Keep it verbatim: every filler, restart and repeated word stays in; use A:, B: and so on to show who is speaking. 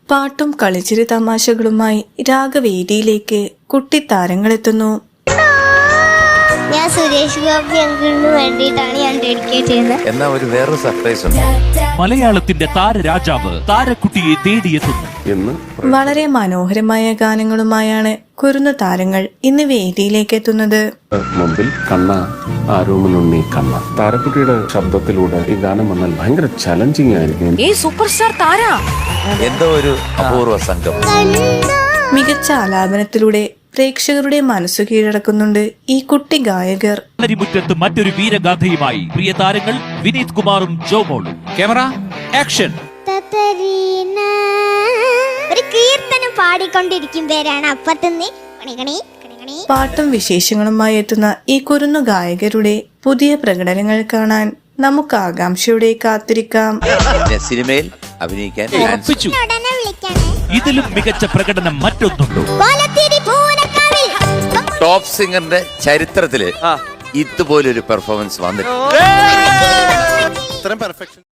A: പാട്ടും കളിച്ചിരി തമാശകളുമായി രാഗവേദിയിലേക്ക് കുട്ടിത്താരങ്ങളെത്തുന്നു.
B: ഞാൻ സുരേഷ് ഗോപി അങ്കിളിന് വേണ്ടിയിട്ടാണ് ഞാൻ ഡെഡിക്കേറ്റ് ചെയ്യുന്നത്.
C: എന്നാ ഒരു വേറൊരു സർപ്രൈസ് ഉണ്ട്.
D: മലയാളത്തിന്റെ താരരാജാവ് താരക്കുട്ടിയെ തേടിയെത്തുന്നു
C: എന്ന്
A: വളരെ മനോഹരമായ ഗാനങ്ങളുമായാണ് കുരുന്നു താരങ്ങൾ ഇന്ന് വേദിയിലേക്ക് എത്തുന്നത്.
E: മുമ്പിൽ കണ്ണ ആരോമലുണ്ണി കണ്ണ താരക്കുട്ടിയുടെ ശബ്ദത്തിലൂടെ ഈ ഗാനം വന്നാൽ ഭയങ്കര ചലഞ്ചിങ് ആയിരിക്കും.
F: ഈ സൂപ്പർ സ്റ്റാർ താര
C: എന്തോ ഒരു അപൂർവ സംഘം.
A: മികച്ച ആലാപനത്തിലൂടെ പ്രേക്ഷകരുടെ മനസ്സു കീഴടക്കുന്നുണ്ട് ഈ കുട്ടി ഗായകർ.
D: മുറ്റത്ത് മറ്റൊരു വീരഗാഥയുമായി പ്രിയ താരങ്ങൾ വിനീത് കുമാറും ജോമോളും. Camera action.
B: ഒരു കീർത്തനം പാടിക്കൊണ്ടിരിക്കും പേരാണ് അപ്പത്തുനിന്ന്
A: പാട്ടും വിശേഷങ്ങളുമായി എത്തുന്ന ഈ കുരുന്നു ഗായകരുടെ പുതിയ പ്രകടനങ്ങൾ കാണാൻ നമുക്ക് ആകാംക്ഷയോടെ കാത്തിരിക്കാം.
C: സിനിമയിൽ അഭിനയിക്കാൻ
D: ഉറപ്പിച്ചു. ഇതിലും മികച്ച പ്രകടനം മറ്റൊന്നുണ്ടോ?
C: ടോപ്പ് സിംഗറിന്റെ ചരിത്രത്തില് ഇതുപോലൊരു പെർഫോമൻസ് വന്നിട്ടുണ്ട്.